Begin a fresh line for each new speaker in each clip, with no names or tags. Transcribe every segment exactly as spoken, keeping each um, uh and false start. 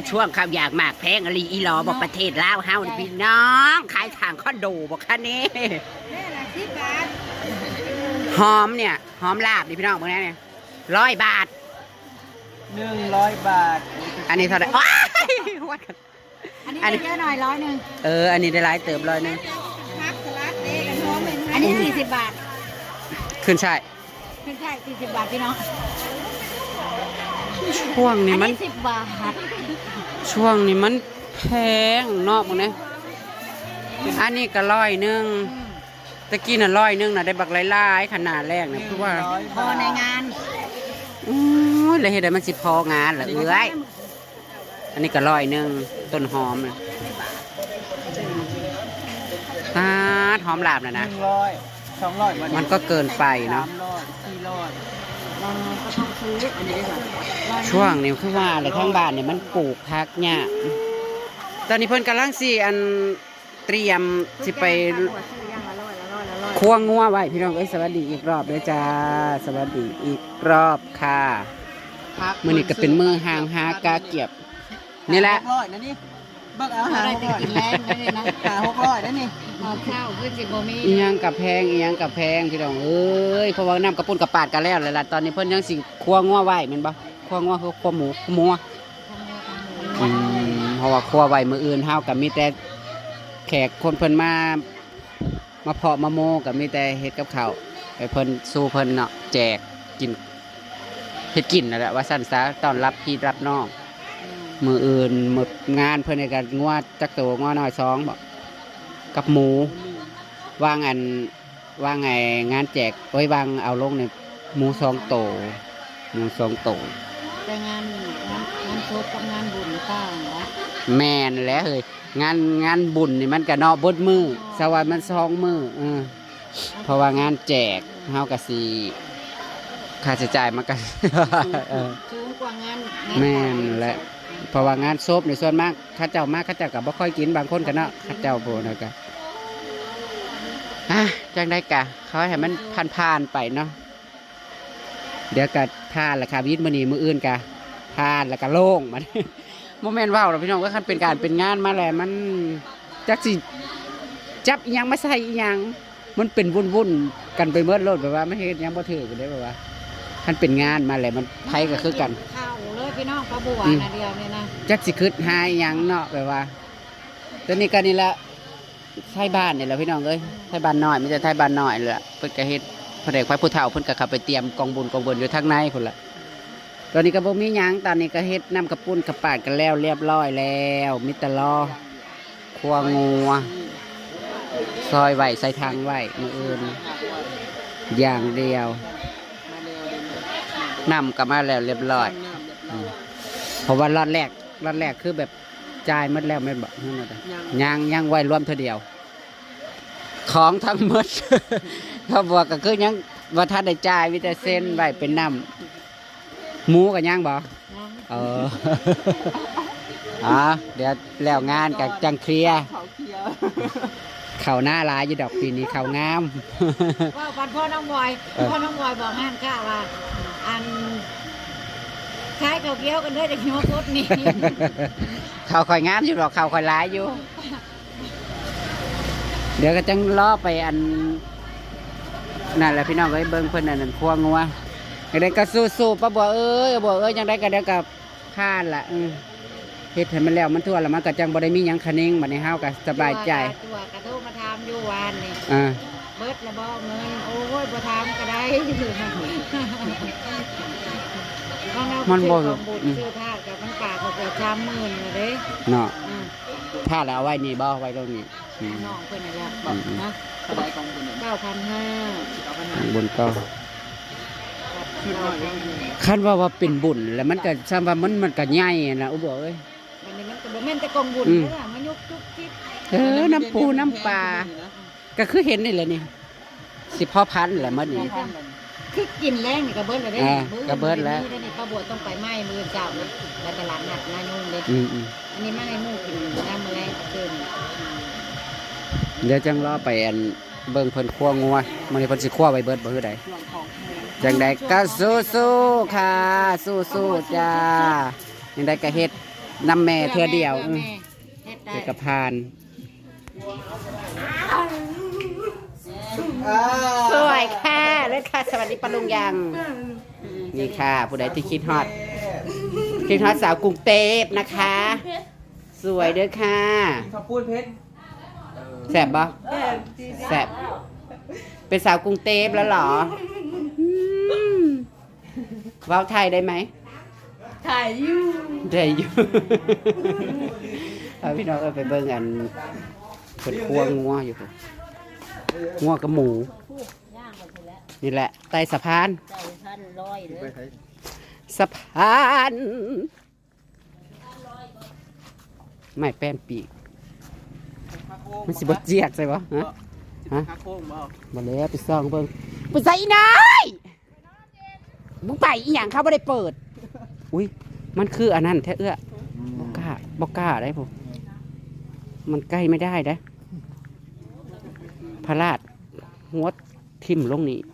ช่วงข้าวอยากหมากแพงอลีอีหลอบอกประเทศลาวเฮาพี่น้องขายทางคอนโดบอกค่ะนี่หอมเนี่ยหอมลาบดิพี่น้องบอกแน่เนี่ยร้อยบาท
หนึ่งร้อยบาท
อันนี้เท่าไหร่
อันนี้เยอะหน่อยร้อยหนึ่ง
เอออันนี้ได้หลายเติบร้อยหนึ่ง
อันนี้สี่สิบบาท
ขึ้นใช่
ขึ้นใช่สี่สิบบาทพี่น้อง
ช่วงนี้มัน
สิบบาท
ช่วงนี้มันแพงเนาะมึงเนี่ยอันนี้ก็ร้อยหนึ่งตะกี้น่ะร้อยหนึ่งน่ะได้บักหลายๆขนาดแรกนะคือว่า
พอในงาน
โอ้ยเลยเห็นได้มันสิพองานเหรอเอ้ยอันนี้ก็ร้อยหนึ่งต้นหอมเลยตาหอมลาบนะนะ
ร้อยสองร้อย
มันก็เกินไปเนาะ
สี่ร้อย
เราก็ต้องซื้ออันนี้ด้วย
ช่วงนี้คือว่าเลยข้างบ้านเนี่ยมันปลูกพักเนี่ยตอนนี้เพิ่นกำลังสิอันเตรียมสิไปควงงัวไว้พี่น้องเอ้ยสวัสดีอีกรอบเลยจ้าสวัสดีอีกรอบค่ะมือนี้ก็เป็นมือหางหากาเกียบนี่แหละ
ร้อยนะนี่เบิกเอาหาหกร้อยกินแรงเลยนะหาหกร้อยนะนี่
เอาข้าวขึ้นสิบโมมี
อีหยังกับแพงอีหยังกับแพงพี่น้องเอ้ยเพราะว่าน้ำกระปุ้นกระปาดกันแล้วเลยล่ะตอนนี้เพิ่นยังสิควงงัวไว้แม่นบ่ควงงัวคือควงหมูหมูอืมเพราะว่าควงไว้มื้ออื่นเฮาก็มีแต่แขกคนเพิ่นมามาเพาะมาโมกับมีแต่เฮ็ดกับข้าวไปเพิ่นสู้เพิ่นเนาะแจกกินเฮ็ดกินนั่นแหละว่าสั่นซะต้อนรับพี่รับน้องมืออื่นมืองานเพิ่นในการงัวจักโตงัวน้อยสองบ่กับหมูวางอันวางไงงานแจกไว้วางเอาลงในหมูสองโตหมูสองโต
แต่งานงานงานโชว์กับงานบุญต่างนะ
แม่นแล้วเฮ้ยงานงานบุญนี่มันก็เนาะบดมือสวัสดิ์มันสองมือเออเพราะว่างานแจกเฮาก็สิค่าใช้จ่ายมันก็
สูงกว่างาน
แม่นและเพราะว่างานศพในส่วนมากข้าเจ้ามากข้าเจ้าก็บ่ค่อยกินบางคนก็เนาะข้าเจ้าโพนะก็อ่ะจังได้กะเขาให้มันผ่านๆไปเนาะเดี๋ยวก็ผ่านละค่ะวิทย์มื้อนี้มื้ออื่นกะผ่านแล้วก็โล่งมันโมเมนต์ว้าวเราพี่น้องก็คันเป็นการเป็นงานมาแล้วมันจักสิจับอีหยังมาใส่อีหยังมันเป็นวุ่นๆกันไปเมื่อโลดแบบว่าไม่เห็นยังบ่ถือกันได้แบบว่าคันเป็นงานมาแล้วมันไผก็คือกัน
ข้าวเลยพี่น้องปลาบัวนะเดียวนี่นะ
จักสิคึดหาอีหยังเนาะแบบว่าตอนนี้ก็นี่ละไทยบ้านนี่แหละพี่น้องเอ้ยไทยบ้านน้อยมีแต่ไทยบ้านน้อยเลยล่ะเพิ่นก็เฮ็ดพระเดชพระผู้เฒ่าเพิ่นก็เข้าไปเตรียมกองบุญกองบุญอยู่ทางในพุ่นล่ะตอนนี้ก็บ่มีหยังตอนนี้ก็เฮ็ดน้ำกระปุ้นกระปาดกันแล้วเรียบร้อยแล้วมิตรลอคั่วงัวซอยไหวใส่ทางไหวมืออื่นอย่างเดียวน้ำก็มาแล้วเรียบร้อยเพราะว่ารอดแรกรอดแรกคือแบบจ่ายหมดแล้วไม่บอกนั่นแหละยังยังไหวรวมเท่าเดียวของทั้งหมดเขาบอกก็คือยังว่าถ้าได้จ่ายวิแต่เส้นไหวเป็นน้ำหมูกับย่างบ่เอออ๋อเดี๋ยวแล้วงานกับจังเคลียร์เข่าหน้าลายยี่ดอกปีนี้เข่างาม
ว่าวันพ่อน้องบอยพ่อน้องบอยบอกงานข้าว่าอันคล้ายเขาเกี้ยวกันด้วยแต่หัวโคตรนี่
เข่าคอยงามอยู่ดอกเข่าคอยลายอยู่เดี๋ยวก็จังล้อไปอันนั่นแหละพี่น้องก็เบิ้งเพื่อนนั่นควงงัวยังได้ก็สู้ๆป้าบัวเอ้ยบัวเอ้ยยังได้ก็เดี๋ยวกับข้านละเฮ็ดให้มันแล้วมันทั่วแล้วมันก็จังบ่ได้มีหยังคะนิ่งบัดนี้เฮาก็สบายใจ
ตัวกระโทรมาถามอยู่วานนี่
อ่า
เบิดละบ่เงินโอ้ยบ่ถามก็ได้มันบ่ซื้อผ้ากับมันปากก็เกือบสามหมื่นเลยเด้
เนาะผ้าแล้วเอาไว้นี่บ่ไว้ตรงนี้
น้องเพิ่นน่ะอยากบอกนะเท่าใดกองบุญ เก้าพันห้าร้อย
บุญก็คันว่าว่าเป็นบุญแล้วมันก็ซ้ำว่ามันมันก็ใหญ่นะอุบเอ้ย
อันนี้มันก็บ่แม่นแต่กองบุญเด้อมันยุกจุกจิก
เออน้ำปูน้ำปลาก็คือเห็นนี่แหละนี่สิพ่อพันธุ์แหละมันนี่
คือกินแรงนี่ก็เบิดแล้วเด้
ก็เบิดแล้ว
นี่ป้าบัวต้องไปไหม้มื้อเจ้าแล้วตลาดนัดนายุ่งเด้อันนี้มาให้หมู่กินน้ำมื้อแรงเกิน
เดี๋ยวจังรอไปอันเบิ่งเพิ่นคั่วงัวมื้อนี้เพิ่นสิคั่วไว้เบิดบ่คือใดจังใดก็สู้ๆค่ะสู้ๆจ้าจังใดก็เฮ็ดนำแม่เธอเดียว
พื่อแม่เฮ็ดได้
เจอกระพาน
อ่า
สวยค่ะเลยค่ะสวัสดีปะลุงยังนี่ค่ะ ผู้ใดที่คิดฮอตคิดฮอตสาวกรุงเทพนะคะ สวยเด้อค่ะ
ข้าวปุ้นเพชร
แสบบ่แสบเป็นสาวกรุงเทพแล้วเหรออืมเว้าไทยได้ไหม
ถ่ายอยู่
ได้อยู่ เอาพี่น้องเอาไปเบิ่งอันเปิดครัวงัวอยู่พุ่นงัวกับหมู
ย่างไปแล้ว
นี่แหละใต้สะพาน
เจ้าท่านร้อยเลย
สะพานไม่แป้นปีกมันสิบดเจียกใช่ปะฮะฮะ
ข้าวโค้งบ่
มาแล้วไปซ่องเบิ่งไปใส่อีนายมึงไปอีหยังเขาไม่ได้เปิดอุ้ยมันคืออันนั้นแท้เอื้อบอกกล้าบอกกล้าได้ผมมันใกล้ไม่ได้นะพระราชหัวทิ่มลงนี่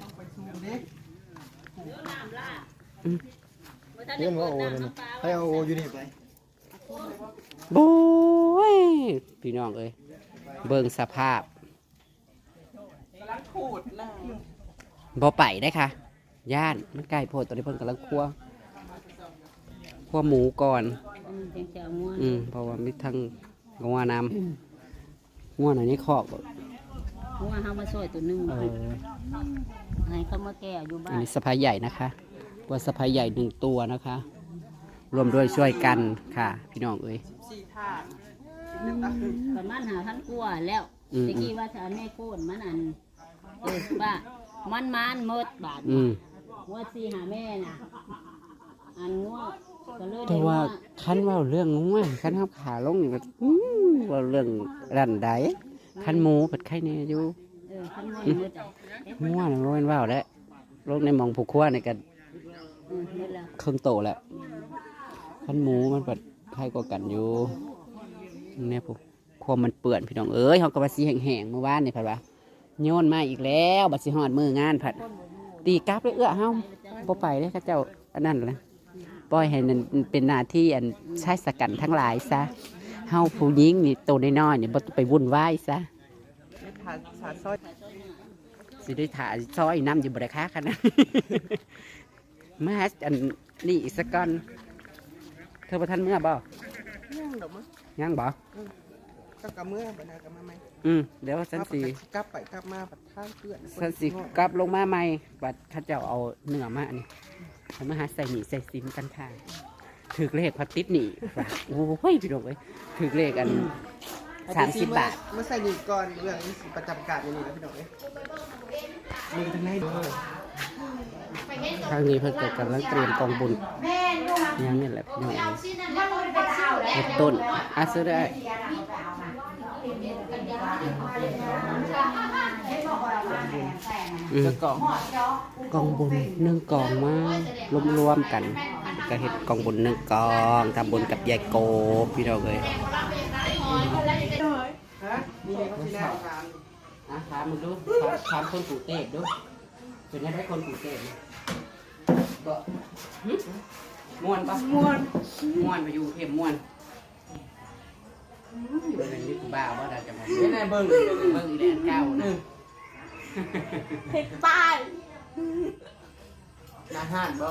เรื่องว่าโอเลยนะให้เอาโออยู่นี่ไป
โบ้ยพี่น้องเอ้ยเบิ่งสภาพ
กำลังขูดนะ
บ่ไปได้ค่ะ ย่านมันใกล้โพดตอนนี้เพิ่นกำลังคั่วคั่วหมูก่อน
อืมจังจะม่วน
อืมเพราะว่ามีทั้งงัวนำงัวหน่อยนี่คอกบ่
เพราะว่าเฮามาซอยตัวหนึง
เออ
ให้เขามาแก้อยู่บ้า
อัน
น
นี้สะพายใหญ่นะคะตัวสะพายใหญ่หนึ่งตัวนะคะ รวมด้วยช่วยกันค่ะ พี่น้องเอ้ย
สี่ถาด
ประมาณหาพันกว่าแล้ว
อืม
ตะกี้ว่าถ้าแม่โคนมันอันเออว่ามันมันหมดบาท
อืม
งวดสี่หาแม่น่ะอันงวดก็เลย
แต่
ได้
ว่า
ว่า
คันเว่าเรื่องงัวคันเฮาขาลงนี่ก็อืมเว่าเรื่องรันใดคันหมูเปิดไข่แน่อยู่
เออคันงวดหมดอ่ะ
งัวนี่บ่แม่นว่าวแล้วลงในหมองผู้ครัวนี่ก็
อืมหมดแล้ว
เครื่องโตแล้วคันหมูมันเปิดไข่กว่ากันอยู่เนี่ยผู้ความมันเปื่อนพี่น้องเอ้ยเฮาก็ว่าสิแห้งๆเมื่อวานนี่ผัดว่าโยนมาอีกแล้วบัดสิฮอดมื้องานผัดตีกลับเลยเอื้อเฮาบ่ไปเลยเขาเจ้าอันนั้นแหละปล่อยให้นั่นเป็นหน้าที่อันชายสกันทั้งหลายซะเฮาผู้หญิงนี่โตน้อยๆนี่บ่ต้องไปวุ่นวายซะ
ถาดถาดซอย
สิได้ถ่ายซอยน้ำอยู่บ่ได้ค้ากันนะ มาอันนี่อีกสักก่อนเธอประทันเมื่อบ่
ย่างดอกมั้ง
ยังบ่
ก็กำเมื่อบันดากำมาไหม
อืมเดี๋ยวสันสี
กลับไปกลับมาปัดท่าเกลือน
สันสีกลับลงมาใหม่บัดข้าเจ้าเอาเนื้อมาอันนี้เอามาหาใส่หนีใส่ซิมกันค่ะถือเลขพัดติดหนีว่ะโอ้ยพี่น้องเอ้ยถือเลขอันสามสิบบาท
เมื่อใส่หนีก่อนเรื่องนี้สิประจำการอย่างนี้นะพี่น้องเอ้ยมือทางไหนเด้อ
ทางนี้เพิ่นก็กำลังเตรียมกองบุญยังนี่แหละพี่น้องเฮ็ดต้นอาซื้อได้อืม
กล่อง
กองบุญหนึ่งกองมารวมๆกันก็เฮ็ดกองบุญหนึ่งกองทำบุญกับยายโกบพี่น้องเลย
ฮะมีอะไรก็ที่นั่งทาน
อ่ะถามมึงดูถามถามคนกูเตะดูเป็นยังไงคนกูเตะก็หึม่วนปะม่วนม่วนไปอยู่เข็มม่วนเป็นอะไรนี่กูบ้าว่าเราจะมา
ไม่ได้เบิ่ง
เบิ่งอีแดนเก้านะ
เผ็ดตายอาหารบ่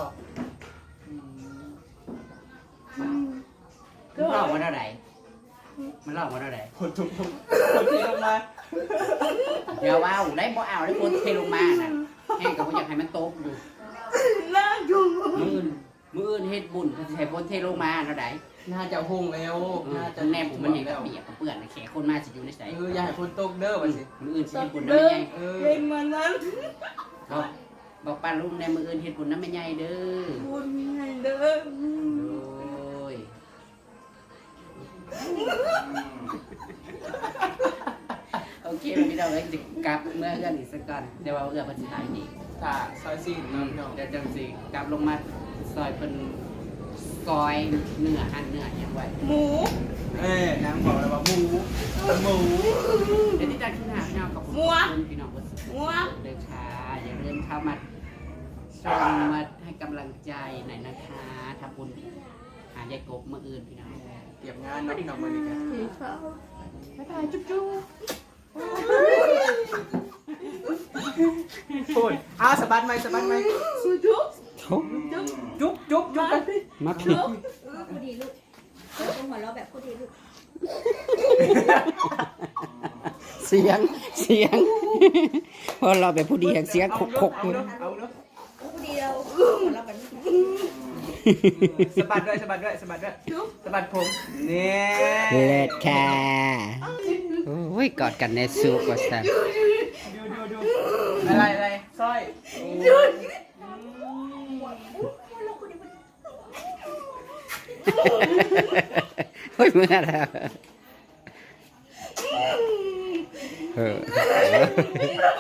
มันเล่ามาเท่าไหร่มันเล่ามาเท่าไหร่
คนทุกคนคนที่ลงมา
เดี๋ยวเอาได้บ่เอาได้คนเทลงมาน่ะแห้งกับบ่อยากให้มันตกอยู่
น่าดู
มืออื่นมืออื่นเฮ็ดบุญก็สิให้คนเทลงมาเท่าไหร่
น่าจะหงแล้ว
น่า
น่า
จะ
จะ
แนบผมมันเห็นแบบเปียกกับเปื้อนน่ะแขกคนมาสิอยู่ในไส
เอออย่าให้คนตกเด้อว่าสิ
มืออื่นสิเฮ็ดบุญน้ำไม่ใหญ่
เออ
เป็นเหมือนนั้น
บอกบอกป้าลุงในมืออื่นเฮ็ดบุญน้ำไม่ใหญ่เด้อ
บุญให้เด้อ
โอ้ยโอเคพี่น้องเอ้ยสิกลับเมื่อเอื้อนอีกสักก่อนเดี๋ยวว่าเอื้อเพิ่นสิหายดี
ถ้าซอยซีนเนาะพี่น้อง
เดี๋ยวจังสิกลับลงมาซอยเป็นซอยเนื้อหั่นเนื้ออย่างไว้
หมู
เอ้ยนางบอกเลยว่าหมูหมู
เดี๋ยวที่จะขึ้นหาพี่น้องกับคุณพี่น้องบนสุด
หัว
เดินช้าอย่าลืมเข้ามาชมมาให้กำลังใจหน่อยนะคะทำบุญหายายกบมื้ออื่นพี่น้อง
เก็บงานเนาะพี่น้องมื้อนี้กันบ๊ายบายจุ๊บจุ๊บโอ้ยอ้าวสะบัดไหมสะบัดไหมจุ๊บ
โถ่
จุ๊บจุ๊บจุ๊บกัน
มาพี่
พูดดีลูกต้องหัวเราะแบบพูดดีลูก
เสียงเสียงพอเราไปผู้ดีแห่งเสียงคกคก
เอาเนาะเอาเนาะ
พูดดีเราหัวเราะแบบ
สะบัดด้วยสะบัดด้วยสะบัดด้วยสะบัดผมนี่
เลิศค่ะโอ้ยกอดกันในสุกว่าซั่น
ดูดูดูอะไรอะไรสร้อย
เฮ้ยเมื่อแล้วเออ